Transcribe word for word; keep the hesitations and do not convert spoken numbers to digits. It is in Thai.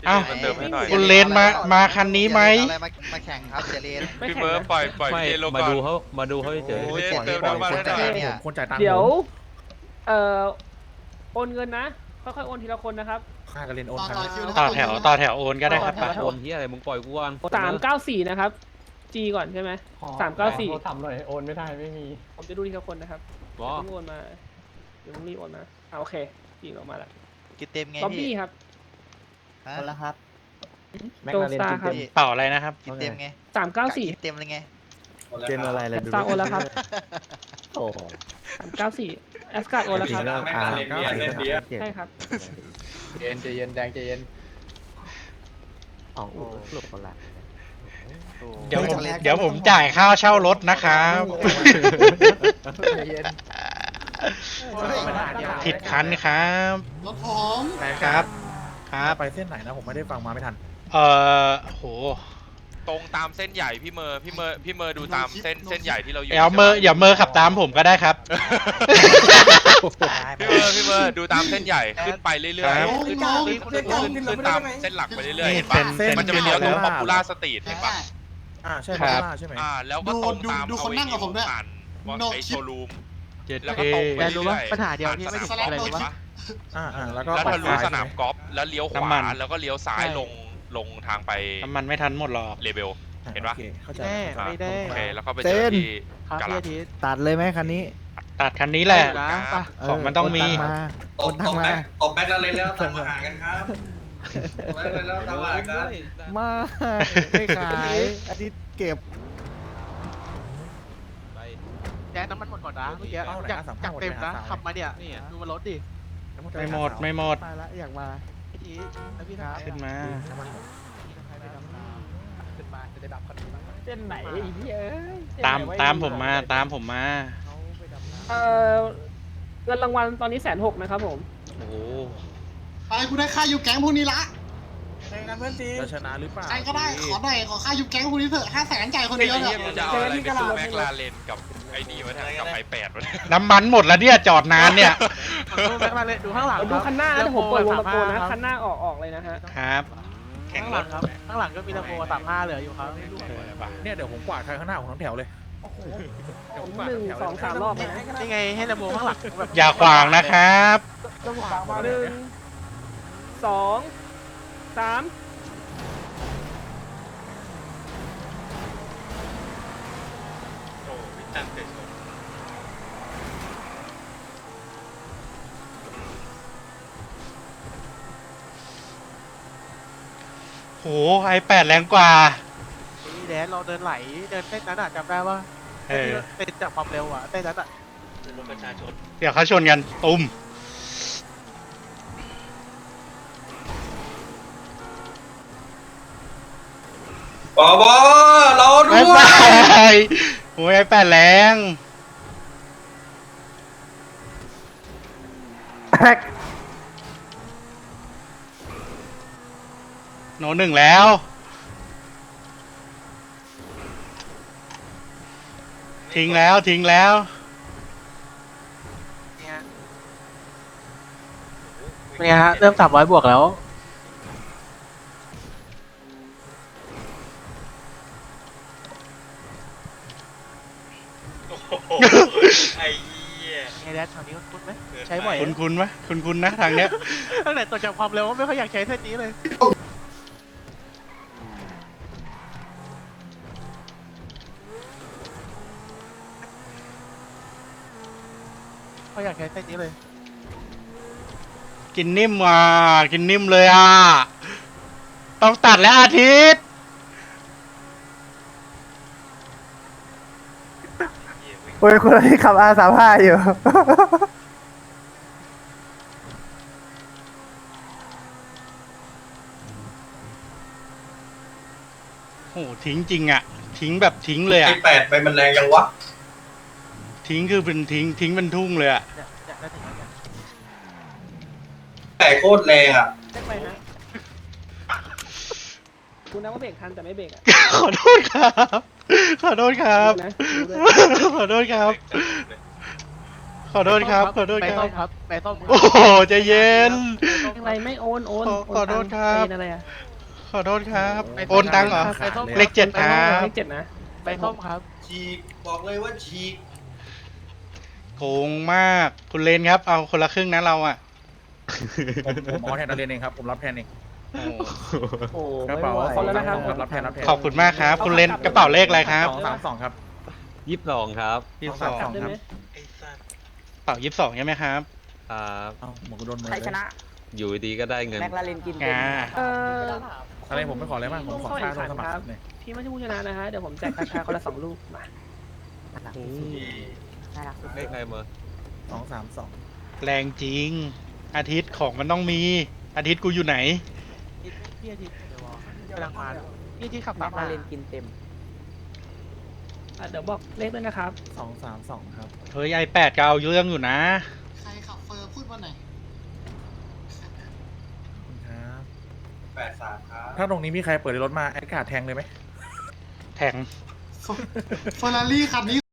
อ้าวมาเติมให้หน่อยคุณเลนมามาคันนี้ไหมอะไรมามาแข่งครับเจเลนพี่เบิร์ดปล่อยปล่อยไม่พี่เลนลงมาก่อนดูเขามาดูเขาเฉยโอ้ยเจเจเติมน้ำมันให้หน่อยเนี่ยคนจ่ายตังค์เดี๋ยวผมเอ่อโอนเงินนะค่อยๆโอนทีละคนนะครับค่ากันเรียนโอนครัต่อแถวต่อแถวโอนก็ได้ครับต่อแถวโอนที่อะไรมึงปล่อยกูก่อนสามเก้าสี่นะครับ G ก่อนใช่ไหมสามเก้าสี่ทำหน่อยโอนไม่ได้ไม่มีผมจะดูทีละคนนะครับบอเพิ่งโอนมาเดี๋ยวต้องรีบโอนมาอ่าโอเคยิงออกมาแล้วกินเต็มไงล็อบพี่บี้ครับฮะคนละครับโจสตาร์ครับพี่เป่าอะไรนะครับกินเต็มไงสามเก้าสี่กินเต็มเลยไงเจนอะไรเลยสตาร์โอนแล้วครับโอ้สามเก้าสี่แอสการ์ดโอนแล้วครับอ่าเก้าสิบเจ็ดใช่ครับเย็นใจเย็นแดงใจเย็นอ๋อหลุดคนละเดี๋ยวผมเดี๋ยวผมจ่ายค่าเช่ารถนะครับใจเย็นผิดคันครับรถผมครับครับไปเส้นไหนนะผมไม่ได้ฟังมาไม่ทันเอ่อโหตรงตามเส้นใหญ่พี่เมอร์พี่เมอร์พี่เมอร์ดูตามเส้นเส้นใหญ่ที่เราอยู่อย่าเมออย่าเมอขับตามผมก็ได้ครับพี่เมอร์พี่เมอร์ดูตามเส้นใหญ่ขึ้นไปเรื่อยครับๆขึ้นขึ้นขึ้นขึ้นขึ้นตามเส้นหลักไปเรื่อยๆนี่เห็นเส้ปะนเส้นมันจะเป็นเลี้ยวตรงป๊อปปูล่าสตรีทเห็นปะอ่าใช่ครับมาใช่ไหมอ่าแล้วก็ตรงตามดูคนนั่งกับผมด้วยผ่านวอไอโชว์รูมเจ็ดแล้วเคก็ตรงไปแต่เรื่รู้อว่ายๆปัญหาเดียวที่ไม่ผ่านถึงสนามอะไรกอล์ฟรู้เห็นปะปะอ่าอ่าแล้วก็แล้วทะลุปัดสซ้ยนามกอล์ฟแล้วเลี้ยวขน้ำมัวาน แล้วก็เลี้ยวซ้ายลงลงทางไปน้ำมันไม่ทันหมดหรอกเลเบล เห็นปะโอคเข้าใจแน่อ่าไม่ได้โอเคแล้วก็ไปเจอที่ครับกาพี่ลาอาทิตย์ตัดเลยไหมคันนี้ตัดคันนี้แหละนะปะเของมันต้องมีโอนตังค์มาตบแบ็คแล้วเลยแล้วทำอาหารกันครับตบแบ็คแล้วแล้วทำอาหารกันมาไม่ขายอาทิตย์เก็บแจ๊น้ำมันหมดก่อนนะเมื่อกี้อยากอยากเต็มนะขับมาเนี่ยดูมันรถดิไม่หมดไม่หมดมาละอยากมาพี่ทีแล้วพี่ครับขึ้นมาขึ้นมาจะได้ดับคันนี้บ้างเส้นไหนไอ้เหี้ยเอ้ยเส้นไหนตามวะตามผมมาตามผมมาเอ่อเงินรางวัลตอนนี้แสนหกนะครับผมโอ้โหไปกูได้ค่าอยู่แก๊งพวกนี้ละจะชนะหรือเปล่าใครก็ได้ขอหน่อยขอค่าอยู่แก๊งพวกนี้เถอะห้าแสนจ่ายคนไอ้เดียวเหี้เนี่ย ยมึงจะเอาอะไรไปสู้แม็กลาเรนกับไอ้นี่วะเนี่ยกับไอแปดวะเนี่ยน้ำมันหมดแล้วเนี่ยจอดนานเนี่ยดูแม็กมาเลยดูข้างหลังดูคันหน้านะผมเปิดวงตะโกนนะคันหน้าออกออกเลยนะฮะครับ แข่ข้าง งรหลัถงครับข้างหลังก็มีตะโกสามห้าเหลืออยู่ครับเนี่ยเดี๋ยวผมกวาดใครข้างหน้าของทั้งแถวเลยเดี๋ยวผมกวาดหนึ่งแถวสองสามรอบเลยนะนี่ไงให้ตะโกข้างหลังแบบอย่าขวางนะครับหนึ่งสองสามโอ้วิจันเตชนโหไอแปดแรงกว่านี่แดนเราเดินไหลเดินเต้นนั้นอ่ะจำได้ว่าเออเต้นจากความเร็วอ่ะเต้นนั้นอ่ะเดี๋ยวเขาชนกันตุ้มบอบอเราด้ไอวแปยดโอ้ยไอแปดแรง โนหนึ่งแล้ว ทิ้งแล้วทิ้งแล้วเนี่ยเป็นไงฮะเริ่มสามร้อยบวกแล้วไอ้เหี้ยไงแดนทางนี้คุ้นไหมใช้บ่อยคุณคุณไหมคุณคุณนะทางเนี้ยตั้งแต่ตัวจากความเร็วไม่ค่อยอยากใช้เส้นนี้เลยเขาอยากใช้เส้นนี้เลยกินนิ่มอ่ะกินนิ่มเลยอ่ะ ต้องตัดแล้วอาทิตย์โอ้ยคนที่ขับ อาร์ สามสิบห้า อยู่โหทิ้งจริงอ่ะ ทิ้งแบบทิ้งเลยไออ่ะแปดไปมันแรงยังวะทิ้งคือเป็นทิ้งทิ้งเป็นทุ่งเลยอ่ะเนี่ยเนี่ยได้ถึงแล้วเนี่ยแต่โคตรแรงอ่ะเช็คไปฮะคุณนะว่าเบรกทันแต่ไม่เบรกอ่ะขอโทษครับ ขอโทษครับดูนะดูด้วยขอโทษครับขอโทษครับ ขอโทษไปคส้รัมบครับไปส้มโอ้โหใจเย็นอะไรไม่โอนโอนขอโอนขอโทษตังครับเป็นอะไรอ่ะขอโทษครับโอ้โหโอนตังค์เหรอขาดเลยเลขเจ็ดครับเลขเจ็ดนะไปส้มครับฉีกบอกเลยว่าฉีกโกงมาก คุณเลนครับ เอาคนละครึ่งนะเราอ่ะผมผมเอาแทนนักเรียนเองครับผมรับแทนเองโอ้โอ้กระเป๋าไม่ไหวคนแล้วนะครับรับแทนรับแทนขอบคุณมากครับ คุณเลนกระเป๋าเลขอะไรครับสองสามสองครับยี่สิบสองครับยี่สิบสองสองได้ไหมกระเป๋ายี่สิบสองใช่ไหมครับครับเอ้าหมวกกูโดนมือใครชนะอยู่ดีก็ได้เงินแม็กลาเรนกินอ่าเอออะไรผมไม่ขออะไรมากผมขอค่าลงสมัครเนี่ยพี่ไม่ใช่ผู้ชนะนะฮะ เดี๋ยวผมแจกกาชาคนละสองลูกมาเลขอะไรมาสองสามสองแรงจริง อาทิตย์ของมันต้องมี อาทิตย์กูอยู่ไหนพี่อาทิตย์กำลังมาพี่อาทิตย์ขับตามมาอ่ะเดี๋ยวบอกเลขด้วยนะครับสองสามสองครับเฮ้ยไอแปดก็เอาเรื่องอยู่นะใครขับเฟอร์พูดมาหน่อยขอบคุณครับแปดสามครับถ้าตรงนี้มีใครเปิดรถมาแอดการ์ดแทงเลยไหมแทงเฟอร์รารี่คันนี้